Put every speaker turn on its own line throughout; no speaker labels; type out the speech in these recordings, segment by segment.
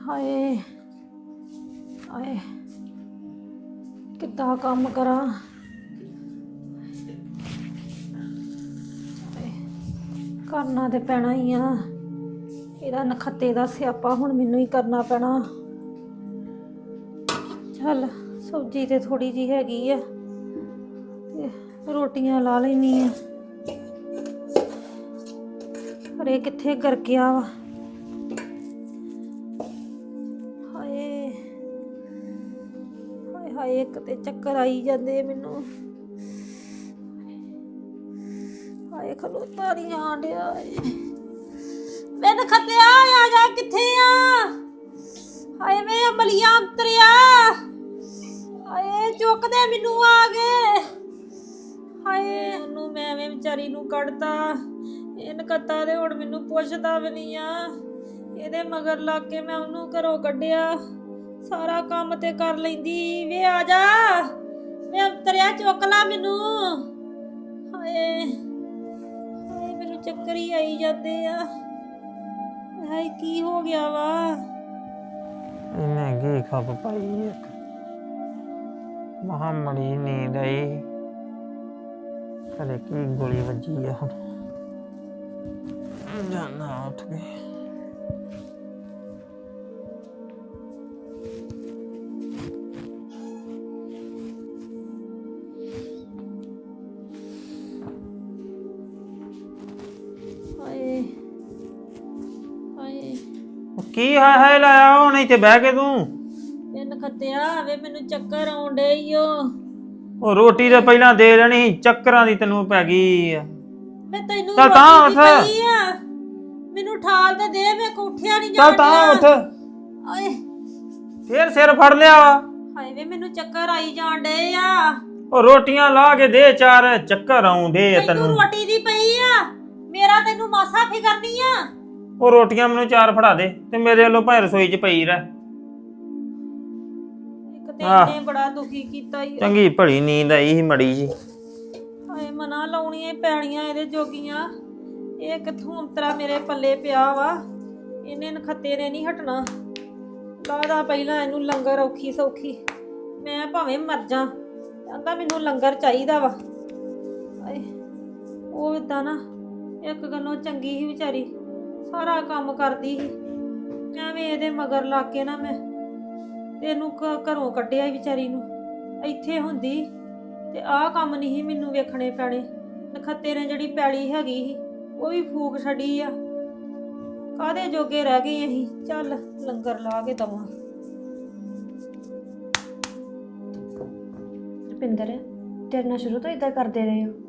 ਹਾਏ ਹਾਏ ਕਿੱਦਾਂ ਕੰਮ ਕਰਾਂ। ਕਰਨਾ ਤੇ ਪੈਣਾ ਹੀ ਆ। ਇਹਦਾ ਨਖੱਤੇ ਦਾ ਸਿਆਪਾ ਹੁਣ ਮੈਨੂੰ ਹੀ ਕਰਨਾ ਪੈਣਾ। ਚੱਲ ਸਬਜ਼ੀ ਤੇ ਥੋੜੀ ਜੀ ਹੈਗੀ ਆ ਤੇ ਰੋਟੀਆਂ ਲਾ ਲੈਣੀ ਆ। ਪਰ ਇਹ ਕਿੱਥੇ ਗਰ ਗਿਆ ਵਾ। ਹਾਏ ਹਾਏ ਹਾਏ ਇੱਕ ਤੇ ਚੱਕਰ ਆਈ ਜਾਂਦੇ ਮੈਨੂੰ। ਹਾਏ ਖਲੋਤਾ ਨਹੀਂ ਆਣ ਡਿਆ। ਮੈਂ ਨਖੱਤਿਆ ਆ ਜਾ ਕਿੱਥੇ ਆ। ਹਾਏ ਵੇ ਅਮਲੀਆ ਅੰਤਰਿਆ। ਹਾਏ ਚੁੱਕਦੇ ਮੈਨੂੰ ਆ ਗਏ। ਹਾਏ ਉਹਨੂੰ ਮੈਂ ਐਵੇਂ ਵਿਚਾਰੀ ਨੂੰ ਕੱਢਤਾ। ਇਹ ਨਕੱਤਾ ਦੇ ਹੁਣ ਮੈਨੂੰ ਪੁੱਛਦਾ ਵੀ ਨਹੀਂ ਆ। ਇਹਦੇ ਮਗਰ ਲੱਗ ਕੇ ਮੈਂ ਉਹਨੂੰ ਘਰੋਂ ਕੱਢਿਆ। ਸਾਰਾ ਕੰਮ ਤੇ ਕਰ ਲੈਂਦੀ। ਵੇ ਆ ਜਾ ਵੇ ਅੰਤਰਿਆ ਚੁੱਕ ਲਾ ਮੈਨੂੰ। ਹਾਏ ਹਾਏ ਮੈਨੂੰ ਚੱਕਰ ਹੀ ਆਈ ਜਾਂਦੇ ਆ। ਹਾਏ ਕੀ ਹੋ ਗਿਆ ਵਾ।
ਇਹਨੇ ਕੀ ਖੱਪ ਪਾਈ ਇੱਕ ਮਹਾਮੜੀ ਨੀਂਦ ਆਈ। ਖਰੇ ਕੀ ਗੋਲੀ ਵੱਜੀ ਆ ਹੁਣ। ਜਾਨਾ ਉੱਠ ਕੇ
ਹਾਏ ਹਾਏ
ਕੀ ਹਾਏ ਹਾਏ ਲਾਇਆ ਹੁਣ ਇੱਥੇ ਬਹਿ ਕੇ ਤੂੰ।
ਇਹ ਨਖੱਤਿਆ ਵੇ ਮੈਨੂੰ ਚੱਕਰ ਆਉਣ ਡੇ ਈ ਓ।
ਉਹ ਰੋਟੀ ਤੇ ਪਹਿਲਾਂ ਦੇ ਦੇਣੀ ਸੀ, ਚੱਕਰਾਂ ਦੀ ਤੈਨੂੰ ਪੈ ਗਈ ਆ।
ਮੈਂ ਤੈਨੂੰ
ਚੱਲ ਤਾਂ
ਰੋਟੀ ਦੀ
ਉੱਠ।
ਪਈ ਆ। ਮੈਨੂੰ ਠਾਲ ਤੇ ਦੇ। ਮੈਂ ਉੱਠਿਆ ਨਹੀਂ
ਚੱਲ
ਜਾਂਦਾ।
ਤਾਂ ਉੱਠ।
ਓਏ
ਫੇਰ ਸਿਰ ਫੜ ਲਿਆ ਵਾ।
ਹਾਏ ਵੇ ਮੈਨੂੰ ਚੱਕਰ ਆਈ ਜਾਣ ਡੇ ਆ।
ਉਹ ਰੋਟੀਆਂ ਲਾ ਕੇ ਦੇ ਚਾਰ। ਚੱਕਰ ਆਉਂਦੇ ਆ
ਤੈਨੂੰ
ਤੈਨੂੰ।
ਰੋਟੀ ਦੀ ਪਈ ਆ। ਮੇਰਾ ਤੈਨੂੰ ਮਾਸਾ ਫਿਕਰ ਨਹੀਂ ਆ।
ਉਹ ਰੋਟੀਆਂ ਮੈਨੂੰ ਚਾਰ ਫੜਾ ਦੇ ਤੇ ਮੇਰੇ ਵੱਲੋਂ ਭਾਵੇਂ ਰਸੋਈ 'ਚ ਪਈ ਰਹਿ।
ਇੱਕ ਤੇ ਇਹਨੇ ਬੜਾ ਦੁਖੀ ਕੀਤਾ ਈ।
ਚੰਗੀ ਭਲੀ ਨੀਂਦ ਆਈ ਸੀ ਮੜੀ ਜੀ।
ਹਾਏ ਮਨਾ ਲਾਉਣੀਆਂ ਪੈਣੀਆਂ ਇਹਦੇ ਜੋਗੀਆਂ। ਇਹ ਕਿੱਥੋਂ ਅੰਤਰਾ ਮੇਰੇ ਪੱਲੇ ਪਿਆ ਵਾ। ਇਹਨੇ ਨਖੱਤੇ ਨੇ ਨਹੀਂ ਹਟਣਾ। ਲਾਦਾ ਪਹਿਲਾਂ ਇਹਨੂੰ ਲੰਗਰ ਔਖੀ ਸੌਖੀ। ਮੈਂ ਭਾਵੇਂ ਮਰ ਜਾ ਕਹਿੰਦਾ ਮੈਨੂੰ ਲੰਗਰ ਚਾਹੀਦਾ ਵਾ। ਹਾਏ ਉਹ ਇਦਾਂ ਨਾ ਇੱਕ ਗੱਲੋਂ ਚੰਗੀ ਸੀ ਵਿਚਾਰੀ। ਸਾਰਾ ਕੰਮ ਕਰਦੀ ਸੀ। ਐਵੇਂ ਇਹਦੇ ਮਗਰ ਲੱਗ ਕੇ ਨਾ ਮੈਂ ਤੈਨੂੰ ਘਰੋਂ ਕੱਢਿਆ ਹੀ ਵਿਚਾਰੀ ਨੂੰ। ਇੱਥੇ ਹੁੰਦੀ ਤੇ ਆਹ ਕੰਮ ਨਹੀਂ ਸੀ ਮੈਨੂੰ ਵੇਖਣੇ ਪੈਣੇ। ਨਖੱਤੇ ਨੇ ਜਿਹੜੀ ਪੈਲੀ ਹੈਗੀ ਸੀ ਉਹ ਵੀ ਫੂਕ ਛੱਡੀ ਆ। ਕਾਹਦੇ ਜੋਗੇ ਰਹਿ ਗਏ ਅਸੀਂ। ਚੱਲ ਲੰਗਰ ਲਾ ਕੇ ਦਵਾਂ। ਰੁਪਿੰਦਰ ਤੇਰੇ ਨਾਲ ਸ਼ੁਰੂ ਤੋਂ ਇਦਾਂ ਕਰਦੇ ਰਹੇ ਹੋ।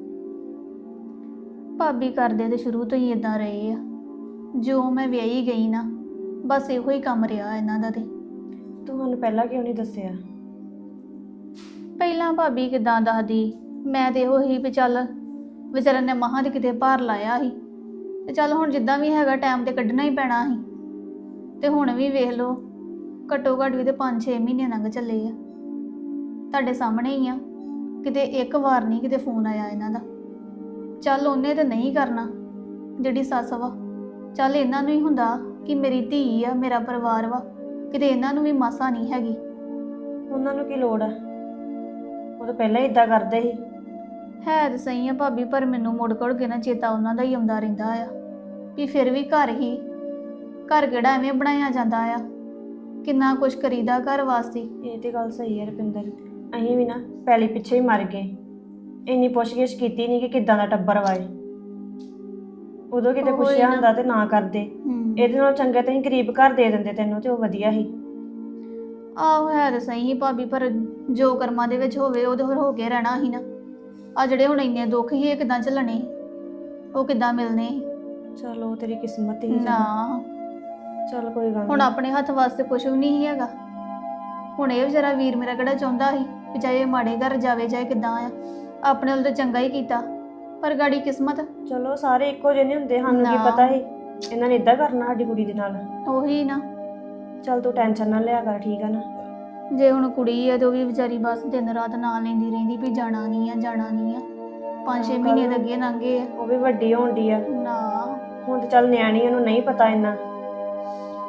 ਭਾਬੀ ਕਰਦੇ ਤੇ ਸ਼ੁਰੂ ਤੋਂ ਹੀ ਇਦਾਂ ਰਹੇ ਆ। ਜੋ ਮੈਂ ਵਿਆਹੀ ਗਈ ਨਾ ਬਸ ਇਹੋ ਹੀ ਕੰਮ ਰਿਹਾ ਇਹਨਾਂ ਦਾ। ਤੇ
ਤੁਹਾਨੂੰ ਪਹਿਲਾਂ ਕਿਉਂ ਨਹੀਂ ਦੱਸਿਆ।
ਪਹਿਲਾਂ ਭਾਬੀ ਕਿਦਾਂ ਦੱਸਦੀ। ਮੈਂ ਤੇ ਇਹੋ ਹੀ ਵੀ ਚੱਲ ਵਿਚਾਰਨ ਨੇ ਮਹਾਂ ਦੇ ਕਿਤੇ ਭਾਰ ਲਾਇਆ ਸੀ ਤੇ ਚੱਲ ਹੁਣ ਜਿੱਦਾਂ ਵੀ ਹੈਗਾ ਟਾਈਮ ਤੇ ਕੱਢਣਾ ਹੀ ਪੈਣਾ ਸੀ। ਤੇ ਹੁਣ ਵੀ ਵੇਖ ਲਓ ਘੱਟੋ ਘੱਟ ਵੀ ਤੇ 5-6 ਮਹੀਨੇ ਲੰਘ ਚੱਲੇ ਆ। ਤੁਹਾਡੇ ਸਾਹਮਣੇ ਹੀ ਆ। ਕਿਤੇ ਇੱਕ ਵਾਰ ਨਹੀਂ ਕਿਤੇ ਫੋਨ ਆਇਆ ਇਹਨਾਂ ਦਾ। ਚੱਲ ਉਹਨੇ ਤੇ ਨਹੀਂ ਕਰਨਾ ਜਿਹੜੀ ਸੱਸ ਵਾ। ਚੱਲ ਇਹਨਾਂ ਨੂੰ ਹੀ ਹੁੰਦਾ ਕਿ ਮੇਰੀ ਧੀ ਆ ਮੇਰਾ ਪਰਿਵਾਰ ਵਾ। ਕਿਤੇ ਇਹਨਾਂ ਨੂੰ ਵੀ ਮਾਸਾ ਨਹੀਂ ਹੈਗੀ।
ਉਹਨਾਂ ਨੂੰ ਕੀ ਲੋੜ ਆ। ਉਹ ਤਾਂ ਪਹਿਲਾਂ ਹੀ ਇਦਾਂ ਕਰਦੇ ਸੀ।
ਹੈ ਤਾਂ ਸਹੀ ਆ ਭਾਬੀ ਪਰ ਮੈਨੂੰ ਮੁੜ ਕੜ ਕੇ ਨਾ ਚੇਤਾ ਉਹਨਾਂ ਦਾ ਹੀ ਆਉਂਦਾ ਰਹਿੰਦਾ ਆ ਵੀ ਫਿਰ ਵੀ ਘਰ ਹੀ ਘਰ ਕਿਹੜਾ ਐਵੇਂ ਬਣਾਇਆ ਜਾਂਦਾ ਆ। ਕਿੰਨਾ ਕੁਛ ਕਰੀਦਾ ਘਰ ਵਾਸਤੇ।
ਇਹ ਤੇ ਗੱਲ ਸਹੀ ਹੈ ਰੁਪਿੰਦਰ। ਅਸੀਂ ਵੀ ਨਾ ਪੈਲੀ ਪਿੱਛੇ ਹੀ ਮਰ ਗਏ। ਇੰਨੀ ਪੁੱਛ-ਗਿੱਛ ਕੀਤੀ ਨਹੀਂ ਕਿ ਕਿੱਦਾਂ ਦਾ ਟੱਬਰ ਵਾਏ। ਉਦੋਂ ਕਿਤੇ ਪੁੱਛਿਆ ਹੁੰਦਾ ਤੇ ਨਾ ਕਰਦੇ। ਇਹਦੇ ਨਾਲ ਚੰਗਾ ਤਾਂ ਅਸੀਂ ਗਰੀਬ ਘਰ ਦੇ ਦਿੰਦੇ ਤੈਨੂੰ ਤੇ ਉਹ ਵਧੀਆ ਸੀ।
ਆਹੋ ਹੈ ਤਾਂ ਸਹੀ ਭਾਬੀ ਪਰ ਜੋ ਕਰਮਾਂ ਦੇ ਵਿੱਚ ਹੋਵੇ ਉਹਦੇ ਹੋਰ ਹੋ ਕੇ ਰਹਿਣਾ ਸੀ ਨਾ। ਆ ਜਿਹੜੇ ਹੁਣ ਇੰਨੇ ਦੁੱਖ ਹੀ ਇਹ ਕਿੱਦਾਂ ਝੱਲਣੇ ਉਹ ਕਿੱਦਾਂ ਮਿਲਣੇ।
ਚਲੋ ਤੇਰੀ ਕਿਸਮਤ ਹੀ
ਨਾ
ਚੱਲ ਕੋਈ ਗੱਲ
ਹੁਣ
ਨਹੀਂ।
ਆਪਣੇ ਹੱਥ ਵਾਸਤੇ ਕੁਝ ਵੀ ਨਹੀਂ ਹੈਗਾ। ਹੁਣ ਇਹ ਵਿਚਾਰਾ ਵੀਰ ਮੇਰਾ ਕਿਹੜਾ ਚਾਹੁੰਦਾ ਸੀ ਵੀ ਚਾਹੇ ਮਾੜੇ ਘਰ ਜਾਵੇ ਚਾਹੇ ਕਿੱਦਾਂ ਆ। ਆਪਣੇ ਵੱਲ ਤਾਂ ਚੰਗਾ ਹੀ ਕੀਤਾ ਪਰ ਗਾੜੀ ਕਿਸਮਤ।
ਚਲੋ ਸਾਰੇ ਇੱਕੋ ਜਿਹੇ ਨਹੀਂ ਹੁੰਦੇ। ਸਾਨੂੰ ਕੀ ਪਤਾ ਸੀ ਇਹਨਾਂ ਨੇ ਇਦਾਂ ਕਰਨਾ ਸਾਡੀ ਕੁੜੀ ਦੇ ਨਾਲ।
ਉਹੀ ਨਾ।
ਚੱਲ ਤੂੰ ਟੈਨਸ਼ਨ ਨਾ ਲਿਆ ਕਰ ਠੀਕ ਆ ਨਾ।
ਜੇ ਹੁਣ ਕੁੜੀ ਆ ਤੇ ਉਹ ਵੀ ਵਿਚਾਰੀ ਬਸ ਦਿਨ ਰਾਤ ਨਾਂ ਲੈਂਦੀ ਰਹਿੰਦੀ ਵੀ ਜਾਣਾ ਨਹੀਂ ਆ ਜਾਣਾ ਨਹੀਂ ਆ। 5-6 ਮਹੀਨੇ ਤਾਂ ਅੱਗੇ ਲੰਘੇ ਆ।
ਉਹ ਵੀ ਵੱਡੀ ਹੋਣ ਡਈ ਆ
ਨਾ
ਹੁਣ ਤੇ ਚੱਲ ਨਿਆਣੀ ਉਹਨੂੰ ਨਹੀਂ ਪਤਾ ਇੰਨਾ।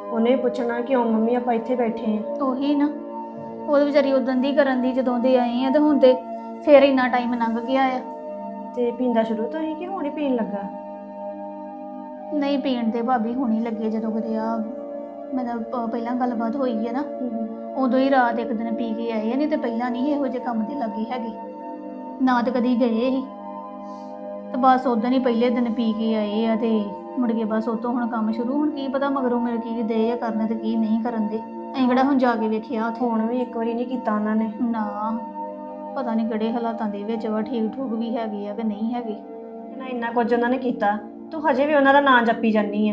ਉਹਨੇ ਵੀ ਪੁੱਛਣਾ ਕਿਉਂ ਮੰਮੀ ਆਪਾਂ ਇੱਥੇ ਬੈਠੇ ਆ।
ਉਹੀ ਨਾ, ਉਹ ਵਿਚਾਰੀ ਉਦੋਂ ਦੀ ਕਰਨ ਦੀ ਜਦੋਂ ਦੇ ਆਏ ਆ, ਤੇ ਹੁਣ ਤੇ ਫੇਰ ਇੰਨਾ ਟਾਈਮ ਲੰਘ ਗਿਆ ਆ।
ਤੇ ਪੀਂਦਾ ਸ਼ੁਰੂ ਤੋਂ ਹੀ ਕਿ ਹੁਣ ਹੀ ਪੀਣ ਲੱਗਾ?
ਨਹੀਂ ਪੀਣ ਦੇ ਭਾਬੀ ਹੁਣੀ ਲੱਗੇ, ਜਦੋਂ ਕਦੇ ਆ ਮਤਲਬ ਪਹਿਲਾਂ ਗੱਲਬਾਤ ਹੋਈ ਹੈ ਨਾ, ਉਦੋਂ ਹੀ ਰਾਤ ਇੱਕ ਦਿਨ ਪੀ ਕੇ ਆਏ ਆ, ਨਹੀਂ ਤੇ ਪਹਿਲਾਂ ਨਹੀਂ ਇਹੋ ਜਿਹੇ ਕੰਮ ਦੇ ਲੱਗੇ ਹੈਗੇ, ਨਾ ਤੇ ਕਦੀ ਗਏ ਸੀ। ਤੇ ਬਸ ਉਦੋਂ ਹੀ ਪਹਿਲੇ ਦਿਨ ਪੀ ਕੇ ਆਏ ਆ, ਤੇ ਮੁੜ ਕੇ ਬਸ ਉਤੋਂ ਹੁਣ ਕੰਮ ਸ਼ੁਰੂ। ਹੁਣ ਕੀ ਪਤਾ ਮਗਰੋਂ ਮੇਰੇ ਕੀ ਦੇ ਆ ਕਰਨੇ ਤੇ ਕੀ ਨਹੀਂ ਕਰਨ ਦੇ, ਅਸੀਂ ਕਿਹੜਾ ਹੁਣ ਜਾ ਕੇ ਵੇਖਿਆ ਉੱਥੇ।
ਫੋਨ ਵੀ ਇੱਕ ਵਾਰੀ ਨਹੀਂ ਕੀਤਾ ਉਹਨਾਂ ਨੇ।
ਨਾ ਪਤਾ ਨਹੀਂ ਕਿਹੜੇ ਹਾਲਾਤਾਂ ਦੇ ਵਿੱਚ ਵਾ, ਠੀਕ ਠੂਕ ਵੀ ਹੈਗੇ ਆ ਕਿ ਨਹੀਂ ਹੈਗੇ।
ਨਾ ਇੰਨਾ ਕੁਝ ਉਹਨਾਂ ਨੇ ਕੀਤਾ, ਤੂੰ ਹਜੇ ਵੀ ਉਹਨਾਂ ਦਾ ਨਾਂ ਜਪੀ ਜਾਂਦੀ ਆ।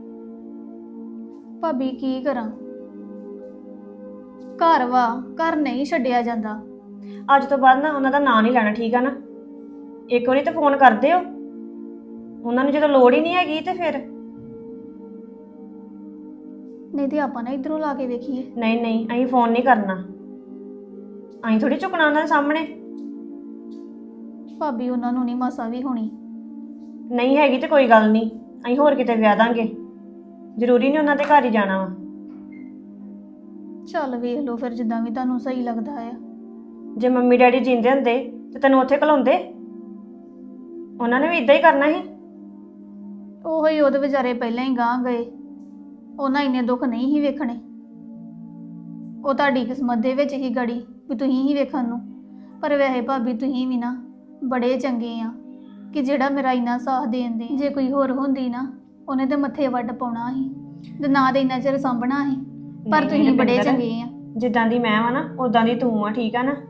ਭਾਬੀ ਕੀ ਕਰਾਂ, ਘਰ ਵਾ, ਘਰ ਨਹੀਂ ਛੱਡਿਆ ਜਾਂਦਾ।
ਅੱਜ ਤੋਂ ਬਾਅਦ ਨਾ ਉਹਨਾਂ ਦਾ ਨਾਂ ਨਹੀਂ ਲੈਣਾ, ਠੀਕ ਆ ਨਾ? ਇੱਕ ਵਾਰੀ ਤਾਂ ਫੋਨ ਕਰ ਦਿਓ ਉਹਨਾਂ ਨੂੰ, ਜਦੋਂ ਲੋੜ ਹੀ ਨਹੀਂ ਹੈਗੀ ਤੇ ਫਿਰ।
ਨਹੀਂ ਤੇ ਆਪਾਂ ਨਾ ਇਧਰੋਂ ਲਾ ਕੇ ਵੇਖੀਏ।
ਨਹੀਂ ਨਹੀਂ, ਅਸੀਂ ਫੋਨ ਨਹੀਂ ਕਰਨਾ, ਅਸੀਂ ਥੋੜੀ ਝੁਕਣਾ ਉਹਨਾਂ ਦੇ ਸਾਹਮਣੇ।
ਭਾਬੀ ਉਹਨਾਂ ਨੂੰ ਨਹੀਂ ਮਾਸਾ ਵੀ ਹੋਣੀ।
ਨਹੀਂ ਹੈਗੀ ਤੇ ਕੋਈ ਗੱਲ ਨਹੀਂ, ਅਸੀਂ ਹੋਰ ਕਿਤੇ ਵਿਆਹ ਦਾਂਗੇ, ਜ਼ਰੂਰੀ ਨਹੀਂ ਉਹਨਾਂ ਦੇ ਘਰ ਹੀ ਜਾਣਾ ਵਾ।
ਚੱਲ ਵੇਖ ਲਓ ਫਿਰ, ਜਿੱਦਾਂ ਵੀ ਤੁਹਾਨੂੰ ਸਹੀ ਲੱਗਦਾ ਆ।
ਜੇ ਮੰਮੀ ਡੈਡੀ ਜਿੰਦੇ ਹੁੰਦੇ ਤੇ ਤੈਨੂੰ ਉੱਥੇ ਘਲਾਉਂਦੇ? ਉਹਨਾਂ ਨੇ ਵੀ ਇਦਾਂ ਹੀ ਕਰਨਾ ਸੀ।
ਉਹੋ ਹੀ ਉਹਦੇ ਵਿਚਾਰੇ ਪਹਿਲਾਂ ਹੀ ਗਾਂਹ ਗਏ, ਉਹਨਾਂ ਇੰਨੇ ਦੁੱਖ ਨਹੀਂ ਹੀ ਵੇਖਣੇ। ਉਹ ਤੁਹਾਡੀ ਕਿਸਮਤ ਦੇ ਵਿੱਚ ਹੀ ਗੜੀ ਵੀ ਤੁਸੀਂ ਹੀ ਵੇਖਣ ਨੂੰ। ਪਰ ਵੈਸੇ ਭਾਬੀ ਤੁਸੀਂ ਵੀ ਨਾ ਬੜੇ ਚੰਗੇ ਆ ਕਿ ਜਿਹੜਾ ਮੇਰਾ ਇੰਨਾ ਸਾਥ ਦੇਣ ਦੇ। ਜੇ ਕੋਈ ਹੋਰ ਹੁੰਦੀ ਨਾ, ਉਹਨੇ ਤੇ ਮੱਥੇ ਵੱਟ ਪਾਉਣਾ ਸੀ ਤੇ ਨਾ ਦੇ ਇੰਨਾ ਚਿਰ ਸਾਂਭਣਾ ਸੀ। ਪਰ ਤੁਸੀਂ ਬੜੇ ਚੰਗੇ ਆ।
ਜਿੱਦਾਂ ਦੀ ਮੈਂ ਵਾ ਨਾ ਉਦਾਂ ਦੀ ਤੂੰ ਆ, ਠੀਕ ਆ ਨਾ?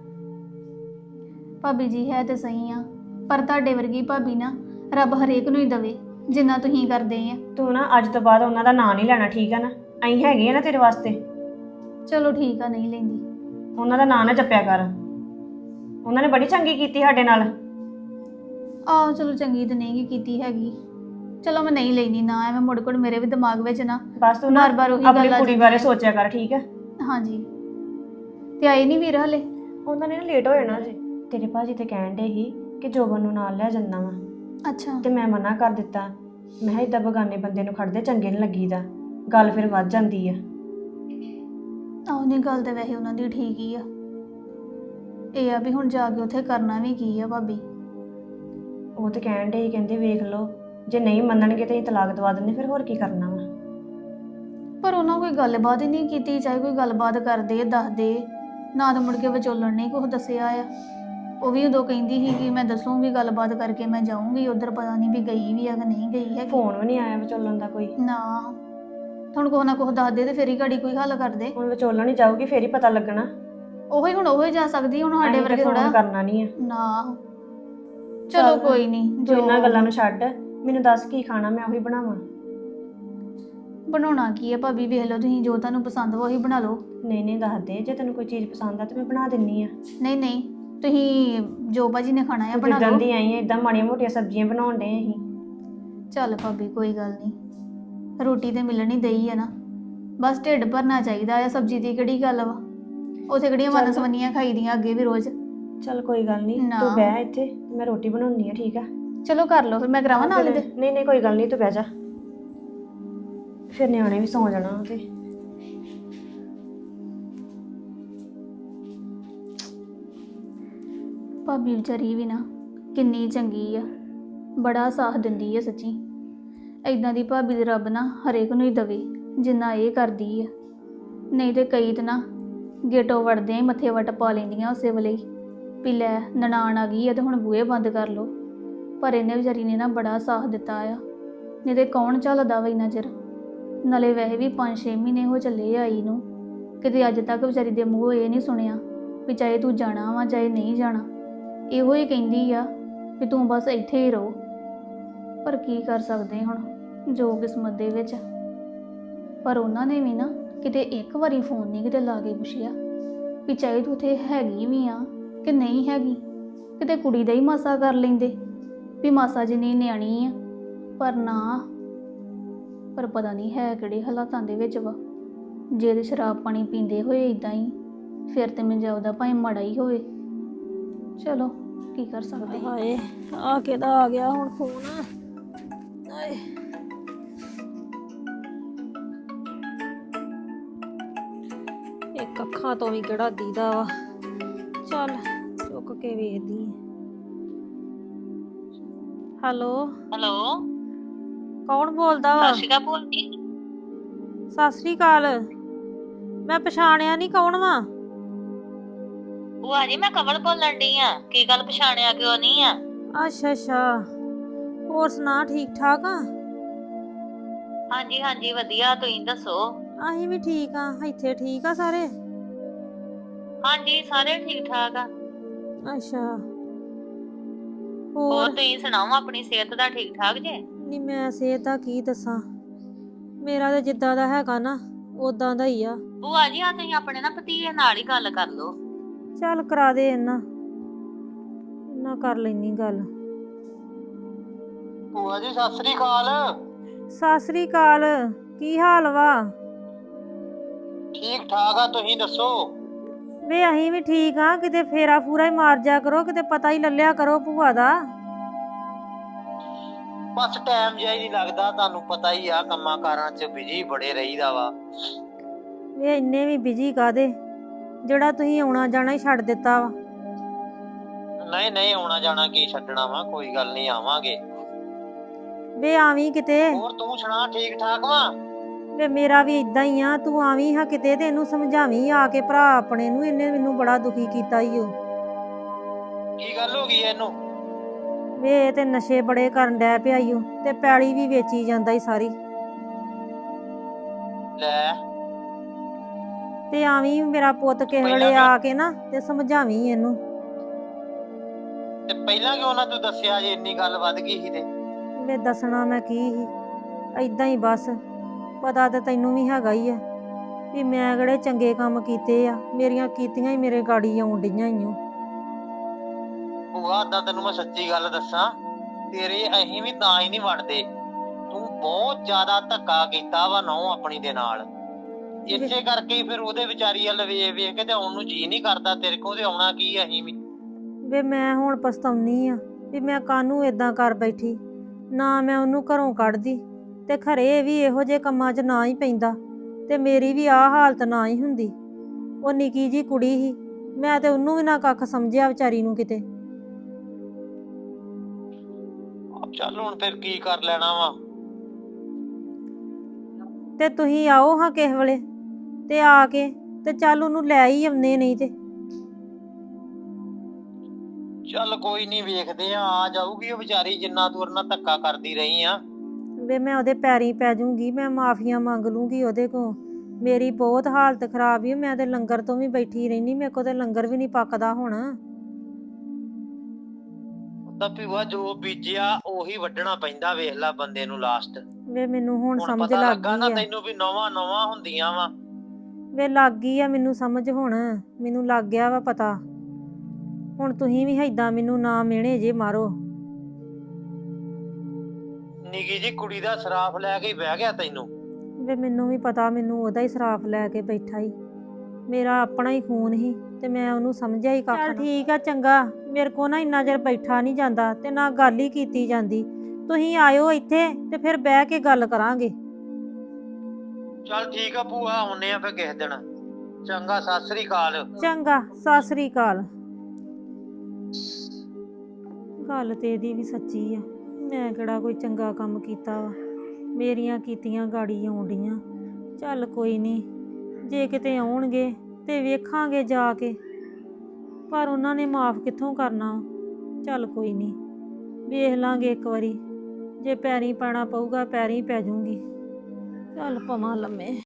ਭਾਬੀ ਜੀ ਹੈ ਤੇ ਸਹੀ ਆ, ਪਰ ਤੁਹਾਡੇ ਵਰਗੀ ਭਾਬੀ ਨਾ ਰੱਬ ਹਰੇਕ ਨੂੰ ਹੀ ਦਵੇ ਜਿੰਨਾ ਤੁਸੀਂ ਕਰਦੇ ਆ।
ਤੂੰ ਨਾ ਅੱਜ ਤੋਂ ਬਾਅਦ ਉਹਨਾਂ ਦਾ ਨਾਂ ਨਹੀਂ ਲੈਣਾ, ਠੀਕ ਆ ਨਾ? ਅਸੀਂ ਹੈਗੇ ਆ ਨਾ ਤੇਰੇ ਵਾਸਤੇ।
ਚਲੋ ਠੀਕ ਆ, ਨਹੀਂ ਲੈਂਦੀ।
ਉਹਨਾਂ ਦਾ ਨਾਂ ਨਾ ਜਪਿਆ ਕਰ, ਉਹਨਾਂ ਨੇ ਬੜੀ ਚੰਗੀ ਕੀਤੀ ਸਾਡੇ ਨਾਲ।
ਆਹੋ ਚਲੋ ਚੰਗੀ ਤਾਂ ਨਹੀਂ ਕੀਤੀ ਹੈਗੀ। ਚਲੋ ਮੈਂ ਨਹੀਂ ਲੈਣੀ ਨਾ, ਐਵੇਂ ਮੁੜ ਕੁੜ ਮੇਰੇ ਵੀ ਦਿਮਾਗ ਵਿੱਚ ਨਾ
ਬਸ ਤੂੰ ਨਾ
ਬਾਰ-ਬਾਰ ਉਹੀ
ਆਪਣੀ
ਗੱਲ ਆ
ਕੁੜੀ
ਜਾਂਦੀ
ਬਾਰੇ ਸੋਚਿਆ ਕਰ, ਠੀਕ ਆ?
ਹਾਂਜੀ। ਤੇ ਆਏ ਨਹੀਂ ਵੀਰ ਹਲੇ?
ਉਹਨਾਂ ਨੇ ਨਾ ਲੇਟ ਹੋ ਜਾਣਾ ਜੀ। ਤੇਰੇ ਭਾਜੀ ਤੇ ਕਹਿਣ ਡੇ ਸੀ ਕਿ ਜੋਬਨ ਨੂੰ ਨਾਲ ਲੈ ਜਾਂਦਾ ਵਾ,
ਅੱਛਾ।
ਤੇ ਮੈਂ ਮਨਾ ਕਰ ਦਿੱਤਾ। ਮੈਂ ਕਿਹਾ ਏਦਾਂ ਬਗਾਨੇ ਬੰਦੇ ਨੂੰ ਖੜਦੇ ਚੰਗੇ ਨਹੀਂ ਲੱਗੀਦਾ, ਗੱਲ ਫਿਰ ਵੱਧ ਜਾਂਦੀ ਆ।
ਆਹ ਨਹੀਂ, ਗੱਲ ਤੇ ਵੈਸੇ ਉਹਨਾਂ ਦੀ ਠੀਕ ਹੀ ਆ। ਇਹ ਆ ਵੀ ਹੁਣ ਜਾ ਕੇ ਉੱਥੇ ਕਰਨਾ ਵੀ ਕੀ ਆ ਭਾਬੀ।
ਉਹ ਤੇ ਕਹਿਣ ਡੇ ਸੀ, ਕਹਿੰਦੇ ਵੇਖ ਲਓ ਜੇ ਨਹੀਂ ਮੰਨਣਗੇ ਤੇ ਅਸੀਂ ਤਲਾਕ ਦਵਾ ਦਿੰਦੇ, ਫਿਰ ਹੋਰ ਕੀ ਕਰਨਾ ਵਾ।
ਪਰ ਉਹਨਾਂ ਕੋਈ ਗੱਲਬਾਤ ਹੀ ਨਹੀਂ ਕੀਤੀ। ਚਾਹੇ ਕੋਈ ਗੱਲਬਾਤ ਕਰਦੇ ਦੱਸਦੇ, ਨਾ ਤਾਂ ਮੁੜ ਕੇ ਵਿਚੋਲਣ ਨੇ ਕੁਛ ਦੱਸਿਆ ਆ। ਉਹ ਵੀ ਉਦੋਂ ਕਹਿੰਦੀ ਸੀ ਕਿ ਮੈਂ ਦੱਸੂਗੀ, ਗੱਲਬਾਤ ਕਰਕੇ ਮੈਂ ਜਾਊਂਗੀ ਉੱਧਰ। ਪਤਾ ਨਹੀਂ ਵੀ ਗਈ ਵੀ ਆ ਕਿ ਨਹੀਂ ਗਈ ਹੈ।
ਫੋਨ ਵੀ ਨਹੀਂ ਆਇਆ ਵਿਚੋਲਣ ਦਾ ਕੋਈ
ਨਾ। ਹੁਣ ਕੁਛ ਨਾ ਕੁਛ ਦੱਸਦੇ ਤੇ ਫੇਰ ਹੀ ਗਾੜੀ ਕੋਈ ਹੱਲ ਕਰਦੇ।
ਹੁਣ ਵਿਚੋਲਣ ਹੀ ਜਾਊਗੀ ਫੇਰ ਹੀ ਪਤਾ ਲੱਗਣਾ।
ਉਹੀ ਹੁਣ ਉਹੀ ਜਾ ਸਕਦੀ, ਹੁਣ ਸਾਡੇ ਵਰਗੇ
ਫੋਨ
ਥੋੜਾ
ਕਰਨਾ ਨਹੀਂ ਆ
ਨਾ। ਚਲੋ ਕੋਈ ਨਹੀਂ,
ਜੋ ਇਹਨਾਂ ਗੱਲਾਂ ਨੂੰ ਛੱਡ, ਮੈਨੂੰ ਦੱਸ ਕੀ ਖਾਣਾ, ਮੈਂ ਉਹੀ ਬਣਾਵਾਂ।
ਬਣਾਉਣਾ ਕੀ ਹੈ ਭਾਬੀ, ਵੇਖ ਲਓ ਤੁਸੀਂ ਜੋ ਤੁਹਾਨੂੰ ਪਸੰਦ ਵਾ ਉਹੀ ਬਣਾ ਲਓ।
ਨਹੀਂ ਨਹੀਂ ਦੱਸ ਦੇ, ਜੇ ਤੈਨੂੰ ਕੋਈ ਚੀਜ਼ ਪਸੰਦ ਆ ਤੇ ਮੈਂ ਬਣਾ ਦਿੰਨੀ ਆ।
ਨਹੀਂ ਨਹੀਂ, ਤੁਸੀਂ ਜੋ ਭਾਜੀ ਨੇ ਖਾਣਾ ਹੈ ਬਣਾ
ਜਿੱਦਾਂ
ਲਓ।
ਦੀ ਆਈ ਆ ਇਦਾਂ ਮਾੜੀਆਂ ਮੋਟੀਆਂ ਸਬਜ਼ੀਆਂ ਬਣਾਉਣ ਡੇ ਅਸੀਂ।
ਚੱਲ ਭਾਬੀ ਕੋਈ ਗੱਲ ਨਹੀਂ, ਰੋਟੀ ਤੇ ਮਿਲਣੀ ਦਈ ਆ ਨਾ, ਬਸ ਢਿੱਡ ਭਰਨਾ ਚਾਹੀਦਾ ਆ। ਸਬਜ਼ੀ ਦੀ ਕਿਹੜੀ ਗੱਲ ਵਾ, ਉੱਥੇ ਕਿਹੜੀਆਂ ਵਨਸਵੰਨੀਆਂ ਖਾਈਦੀਆਂ ਅੱਗੇ ਵੀ ਰੋਜ਼।
ਚੱਲ ਕੋਈ ਗੱਲ ਨਹੀਂ,
ਨਾ।
ਤੂੰ ਬਹਿ ਇੱਥੇ, ਮੈਂ ਰੋਟੀ ਬਣਾਉਣੀ ਆ, ਠੀਕ ਆ?
ਚਲੋ ਕਰ ਲਓ ਫਿਰ, ਮੈਂ ਕਰਾਵਾਂ ਨਾਲ ਇਹਦੇ।
ਨਹੀਂ ਨਹੀਂ ਕੋਈ ਗੱਲ ਨਹੀਂ, ਤੂੰ ਬਹਿ ਜਾ, ਫਿਰ ਨਿਆਣੇ ਵੀ ਸੌਂ ਜਾਣਾ ਤੇ।
ਭਾਬੀ ਵਿਚਾਰੀ ਵੀ ਨਾ ਕਿੰਨੀ ਚੰਗੀ ਆ, ਬੜਾ ਸਾਥ ਦਿੰਦੀ ਆ ਸੱਚੀ। ਐਦਾਂ ਦੀ ਭਾਬੀ ਦੇ ਰੱਬ ਨਾ ਹਰੇਕ ਨੂੰ ਹੀ ਦਵੇ ਜਿੰਨਾ ਇਹ ਕਰਦੀ ਆ। ਨਹੀਂ ਤੇ ਕਈ ਤਾਂ ਨਾ ਗੇਟੋਂ ਵੜਦਿਆਂ ਹੀ ਮੱਥੇ ਵੱਟ ਪਾ ਲੈਂਦੀਆਂ ਉਸੇ ਵੇਲੇ ਹੀ ਵੀ ਲੈ ਨਨਾਣ ਆ ਗਈ ਆ ਤੇ ਹੁਣ ਬੂਹੇ ਬੰਦ ਕਰ ਲਓ। ਪਰ ਇਹਨੇ ਵਿਚਾਰੀ ਨੇ ਨਾ ਬੜਾ ਸਾਥ ਦਿੱਤਾ ਆ, ਨਹੀਂ ਤੇ ਕੌਣ ਝੱਲਦਾ ਵਾ ਇੰਨਾ ਚਿਰ। ਨਾਲੇ ਵੈਸੇ ਵੀ 5-6 ਮਹੀਨੇ ਹੋ ਚੱਲੇ ਆਈ ਨੂੰ, ਕਿਤੇ ਅੱਜ ਤੱਕ ਵਿਚਾਰੀ ਦੇ ਮੂੰਹੋਂ ਇਹ ਨਹੀਂ ਸੁਣਿਆ ਵੀ ਚਾਹੇ ਤੂੰ ਜਾਣਾ ਵਾ ਚਾਹੇ ਨਹੀਂ ਜਾਣਾ। ਇਹੋ ਹੀ ਕਹਿੰਦੀ ਆ ਵੀ ਤੂੰ ਬਸ ਇੱਥੇ ਹੀ ਰਹੋ। ਪਰ ਕੀ ਕਰ ਸਕਦੇ ਹੁਣ, ਜੋ ਕਿਸਮਤ ਦੇ ਵਿੱਚ। ਪਰ ਉਹਨਾਂ ਨੇ ਵੀ ਨਾ ਕਿਤੇ ਇੱਕ ਵਾਰੀ ਫੋਨ ਨਹੀਂ ਕਿਤੇ ਲਾ ਕੇ ਪੁੱਛਿਆ ਵੀ ਚਾਹੇ ਤੂੰ ਉੱਥੇ ਹੈਗੀ ਵੀ ਆ ਕਿ ਨਹੀਂ ਹੈਗੀ। ਕਿਤੇ ਕੁੜੀ ਦਾ ਹੀ ਮਾਸਾ ਕਰ ਲੈਂਦੇ ਵੀ ਮਾਸਾ ਜਿੰਨੀ ਨਿਆਣੀ ਆ। ਪਰ ਨਾ, ਪਰ ਪਤਾ ਨਹੀਂ ਹੈ ਕਿਹੜੇ ਹਾਲਾਤਾਂ ਦੇ ਵਿੱਚ ਵਾ। ਜੇ ਤੇ ਸ਼ਰਾਬ ਪਾਣੀ ਪੀਂਦੇ ਹੋਏ ਇਦਾਂ ਹੀ, ਫਿਰ ਤੇ ਮੈਨੂੰ ਜਾਉਦਾ ਭਾਵੇਂ ਮਾੜਾ ਹੀ ਹੋਵੇ। ਚਲੋ ਕੀ ਕਰ ਸਕਦੇ।
ਹਾਏ ਆ ਕਿਹਦਾ ਆ ਗਿਆ ਹੁਣ ਫੋਨ। ਹਾਏ ਇੱਕ ਅੱਖਾਂ ਤੋਂ ਵੀ ਕਿਹੜਾ ਦੀਦਾ ਵਾ। ਚੱਲ ਚੁੱਕ ਕੇ ਵੇਖਦੀ ਆਂ। ਹੈਲੋ
ਹੈਲੋ
ਕੌਣ ਬੋਲਦਾ ਵਾ?
ਸਤਿ ਸ਼੍ਰੀ ਅਕਾਲ ਭੂਆ ਜੀ।
ਸਤਿ ਸ੍ਰੀ ਅਕਾਲ। ਮੈਂ ਪਛਾਣਿਆ ਨਹੀਂ, ਕੌਣ ਵਾ?
ਭੂਆ ਜੀ ਮੈਂ ਕਮਲ ਬੋਲਣ ਡਈ ਆ। ਕੀ ਗੱਲ ਪਛਾਣਿਆ ਕਿਉਂ ਨਹੀਂ ਆ?
ਅੱਛਾ ਅੱਛਾ, ਹੋਰ ਸੁਣਾ, ਠੀਕ ਠਾਕ ਆ?
ਹਾਂਜੀ ਹਾਂਜੀ ਵਧੀਆ, ਤੁਸੀਂ ਦੱਸੋ?
ਅਸੀਂ ਵੀ ਠੀਕ ਆ। ਇੱਥੇ ਠੀਕ ਆ ਸਾਰੇ?
ਹਾਂਜੀ ਸਾਰੇ ਠੀਕ ਠਾਕ ਆ।
ਅੱਛਾ,
ਹੋਰ
ਹੋਰ?
ਤੁਸੀਂ ਸੁਣਾਓ, ਆਪਣੀ ਸਿਹਤ ਦਾ ਠੀਕ ਠਾਕ ਜੇ?
ਨਹੀਂ ਮੈਂ ਸਿਹਤ ਦਾ ਕੀ ਦੱਸਾਂ, ਮੇਰਾ ਤਾਂ ਜਿੱਦਾਂ ਦਾ ਹੈਗਾ ਨਾ ਉਦਾਂ ਦਾ ਹੀ ਆ।
ਭੂਆ ਜੀ ਆ ਤੁਸੀਂ ਆਪਣੇ ਨਾ ਭਤੀਜੇ ਨਾਲ ਹੀ ਗੱਲ ਕਰ ਲਓ।
ਚੱਲ ਕਰਾ ਦੇ ਇਹਨਾਂ ਕਰ ਲੈਣੀ ਗੱਲ।
ਭੂਆ ਜੀ ਸਤਿ ਸ੍ਰੀ ਅਕਾਲ।
ਸਤਿ ਸ੍ਰੀ ਅਕਾਲ, ਕੀ ਹਾਲ ਵਾ?
ਠੀਕ ਠਾਕ ਆ, ਤੁਸੀਂ ਦੱਸੋ?
ਵੇ ਅਸੀਂ ਵੀ ਠੀਕ ਆ। ਕਿਤੇ ਫੇਰਾ ਫੂਰਾ ਹੀ ਮਾਰ ਜਾ ਕਰੋ, ਕਿਤੇ ਪਤਾ ਹੀ ਲੱਲਿਆ ਕਰੋ ਭੂਆ ਦਾ।
ਬਸ ਟਾਈਮ ਜਿਹਾ ਹੀ ਨਹੀਂ ਲੱਗਦਾ, ਤੁਹਾਨੂੰ ਪਤਾ ਹੀ ਆ, ਕੰਮਾਂ ਕਾਰਾਂ 'ਚ ਬਿਜੀ ਬੜੇ ਰਹੀਦਾ ਵਾ।
ਵੇ ਇੰਨੇ ਵੀ ਬਿਜੀ ਕਾਦੇ, ਜਿਹੜਾ ਤੁਸੀਂ ਆਉਣਾ ਜਾਣਾ ਹੀ ਛੱਡ ਦਿੱਤਾ ਵਾ।
ਨਹੀਂ ਨਹੀਂ, ਆਉਣਾ ਜਾਣਾ ਕੀ ਛੱਡਣਾ ਵਾ, ਕੋਈ ਗੱਲ ਨਹੀਂ, ਆਵਾਂਗੇ।
ਵੇ ਆਵੀਂ ਕਿਤੇ।
ਹੋਰ ਤੂੰ ਸੁਣਾ, ਠੀਕ ਠਾਕ ਵਾ?
ਵੇ ਮੇਰਾ ਵੀ ਇਦਾਂ ਹੀ ਆ, ਤੂੰ ਆਵੀਂ ਹਾਂ ਕਿਤੇ ਤੇ ਇਹਨੂੰ ਸਮਝਾਵੀਂ ਆ ਕੇ, ਭਰਾ ਆਪਣੇ ਨੂੰ। ਇਹਨੇ ਮੈਨੂੰ ਬੜਾ ਦੁਖੀ ਕੀਤਾ ਈ ਓ।
ਕੀ ਗੱਲ ਹੋ ਗਈ ਇਹਨੂੰ?
ਵੇ ਇਹ ਤੇ ਨਸ਼ੇ ਬੜੇ ਕਰਨ ਡੈ ਪਿਆ ਈ ਓ, ਤੇ ਪੈਲੀ ਵੀ ਵੇਚੀ ਜਾਂਦਾ ਈ ਸਾਰੀ।
ਲੈ
ਤੇ ਆਵੀਂ ਮੇਰਾ ਪੁੱਤ ਕਿਸੇ
ਪਹਿਲਾਂ
ਵੇਲੇ ਆ
ਕਿਉਂ?
ਕੇ ਨਾ ਤੇ ਸਮਝਾਵੀਂ ਇਹਨੂੰ।
ਤੇ ਪਹਿਲਾਂ ਕਿਉਂ ਨਾ ਤੂੰ ਦੱਸਿਆ ਜੇ ਇੰਨੀ ਗੱਲ ਵੱਧ ਗਈ ਸੀ ਤੇ?
ਵੇ ਦੱਸਣਾ ਮੈਂ ਕੀ ਸੀ, ਏਦਾਂ ਹੀ ਬਸ। ਪਤਾ ਤੇ ਤੈਨੂੰ ਵੀ ਹੈਗਾ ਹੀ ਆ ਵੀ ਮੈਂ ਕਿਹੜੇ ਚੰਗੇ ਕੰਮ ਕੀਤੇ ਆ, ਮੇਰੀਆਂ ਕੀਤੀਆਂ ਹੀ ਮੇਰੇ ਗਾੜੀ ਆਉਣ ਡਈਆਂ ਈ ਓ।
ਭੂਆ ਏਦਾਂ ਤੈਨੂੰ ਮੈਂ ਸੱਚੀ ਗੱਲ ਦੱਸਾਂ, ਤੇਰੇ ਅਸੀਂ ਵੀ ਤਾਂ ਹੀ ਨਹੀਂ ਵੜਦੇ। ਤੂੰ ਬਹੁਤ ਜ਼ਿਆਦਾ ਧੱਕਾ ਕੀਤਾ ਵਾ ਨਹੁੰ ਆਪਣੀ ਦੇ ਨਾਲ। ਇਸੇ ਕਰਕੇ ਹੀ ਫਿਰ ਉਹਦੇ ਵਿਚਾਰੀ ਵੱਲ ਵੇਖ ਵੇਖ ਕੇ ਤੇ ਆਉਣ ਨੂੰ ਜੀ ਨਹੀਂ ਕਰਦਾ ਤੇਰੇ ਕੋਲ। ਤੇ ਆਉਣਾ ਕੀ ਅਸੀਂ ਵੀ।
ਵੇ ਮੈਂ ਹੁਣ ਪਛਤਾਉਣੀ ਆ ਵੀ ਮੈਂ ਕਾਹਨੂੰ ਏਦਾਂ ਕਰ ਬੈਠੀ। ਨਾ ਮੈਂ ਉਹਨੂੰ ਘਰੋਂ ਕੱਢਦੀ ਤੇ ਖਰੇ ਇਹ ਵੀ ਇਹੋ ਜਿਹੇ ਕੰਮਾਂ 'ਚ ਨਾ ਹੀ ਪੈਂਦਾ ਤੇ ਮੇਰੀ ਵੀ ਆਹ ਹਾਲਤ ਨਾ ਹੀ ਹੁੰਦੀ। ਉਹ ਨਿੱਕੀ ਜੀ ਕੁੜੀ ਸੀ, ਮੈਂ ਤੇ ਉਹਨੂੰ ਵੀ ਨਾ ਕੱਖ ਸਮਝਿਆ ਵਿਚਾਰੀ ਨੂੰ ਕਿਤੇ।
ਚੱਲ ਹੁਣ ਫਿਰ ਕੀ ਕਰ ਲੈਣਾ ਵਾ।
ਤੇ ਤੁਸੀਂ ਆਓ ਹਾਂ ਕਿਸੇ ਵੇਲੇ ਤੇ ਆ ਕੇ ਤੇ ਚੱਲ ਉਹਨੂੰ ਲੈ ਹੀ ਆਉਂਦੇ, ਨਹੀਂ ਤੇ।
ਚੱਲ ਕੋਈ ਨਹੀਂ, ਵੇਖਦੇ ਆ ਜਾਊਗੀ ਉਹ ਵਿਚਾਰੀ, ਜਿੰਨਾ ਤੂੰ ਉਹਦੇ ਨਾਲ ਧੱਕਾ ਕਰਦੀ ਰਹੀ ਆ।
ਵੇ ਮੈਂ ਉਹਦੇ ਪੈਰੀਂ ਪੈ ਜਾਊਂਗੀ, ਮੈਂ ਮਾਫੀਆਂ ਮੰਗ ਲੂੰਗੀ ਉਹਦੇ ਕੋਲ। ਮੇਰੀ ਬਹੁਤ ਹਾਲਤ ਖਰਾਬ ਹੀ, ਮੈਂ ਤੇ ਲੰਗਰ ਤੋਂ ਵੀ ਬੈਠੀ ਰਹਿਨੀ, ਮੇਰੇ ਕੋਲ ਤੇ ਲੰਗਰ ਵੀ ਨਹੀਂ ਪੱਕਦਾ ਹੁਣ।
ਤਾਂ ਭੂਆ ਜੋ ਬੀਜਿਆ ਉਹੀ ਵੱਢਣਾ ਪੈਂਦਾ, ਵੇਖ ਲੈ ਬੰਦੇ ਨੂੰ ਲਾਸਟ।
ਵੇ ਮੈਨੂੰ ਹੁਣ ਸਮਝ
ਪਤਾ
ਲੱਗ
ਲੱਗਾ ਨਾ
ਗਈ ਆ।
ਤੈਨੂੰ ਵੀ ਨਵਾਂ ਹੁੰਦੀਆਂ ਵਾ।
ਵੇ ਲੱਗ ਗਈ ਆ ਮੈਨੂੰ ਸਮਝ ਹੁਣ, ਮੈਨੂੰ ਲੱਗ ਗਿਆ ਵਾ ਪਤਾ। ਹੁਣ ਤੁਸੀਂ ਵੀ ਏਦਾਂ ਮੈਨੂੰ ਨਾ ਮਿਹਣੇ ਜੇ ਮਾਰੋ।
ਨਿੱਕੀ ਜੀ ਕੁੜੀ ਦਾ ਸਰਾਫ ਲੈ ਕੇ ਬਹਿ ਗਿਆ ਤੈਨੂੰ।
ਵੇ ਮੈਨੂੰ ਵੀ ਪਤਾ, ਮੈਨੂੰ ਉਹਦਾ ਹੀ ਸਰਾਫ ਲੈ ਕੇ ਬੈਠਾ ਹੀ। ਮੇਰਾ ਆਪਣਾ ਹੀ ਖੂਨ ਹੀ ਤੇ ਮੈਂ ਉਹਨੂੰ ਸਮਝਿਆ ਹੀ ਕੱਖ ਨਾ। ਠੀਕ ਆ, ਚੰਗਾ। ਮੇਰੇ ਕੋ ਨਾ ਇੰਨਾ ਚਿਰ ਬੈਠਾ ਨਹੀਂ ਜਾਂਦਾ ਤੇ ਨਾ ਗੱਲ ਹੀ ਕੀਤੀ ਜਾਂਦੀ। ਤੁਸੀਂ ਆਇਓ ਇੱਥੇ ਤੇ ਫਿਰ ਬਹਿ ਕੇ ਗੱਲ ਕਰਾਂਗੇ।
ਚੱਲ ਠੀਕ ਆ ਭੂਆ, ਆਉਨੇ ਆ ਫਿਰ ਕਿਸੇ ਦਿਨ। ਚੰਗਾ, ਸਤਿ ਸ੍ਰੀ ਅਕਾਲ।
ਚੰਗਾ, ਸਤਿ ਸ੍ਰੀ ਅਕਾਲ। ਗੱਲ ਤੇ ਇਹਦੀ ਵੀ ਸੱਚੀ ਆ, ਮੈਂ ਕਿਹੜਾ ਕੋਈ ਚੰਗਾ ਕੰਮ ਕੀਤਾ ਵਾ, ਮੇਰੀਆਂ ਕੀਤੀਆਂ ਗਾੜੀ ਆਉਣ ਡੀਆਂ। ਚੱਲ ਕੋਈ ਨਹੀਂ, ਜੇ ਕਿਤੇ ਆਉਣਗੇ ਤੇ ਵੇਖਾਂਗੇ ਜਾ ਕੇ, ਪਰ ਉਹਨਾਂ ਨੇ ਮਾਫ ਕਿੱਥੋਂ ਕਰਨਾ। ਚੱਲ ਕੋਈ ਨਹੀਂ, ਵੇਖ ਲਾਂਗੇ ਇੱਕ ਵਾਰੀ, ਜੇ ਪੈਰੀਂ ਪੈਣਾ ਪਊਗਾ ਪੈਰੀਂ ਪੈ ਜਾਊਂਗੀ। ਚੱਲ ਪਵਾਂ ਲੰਮੇ।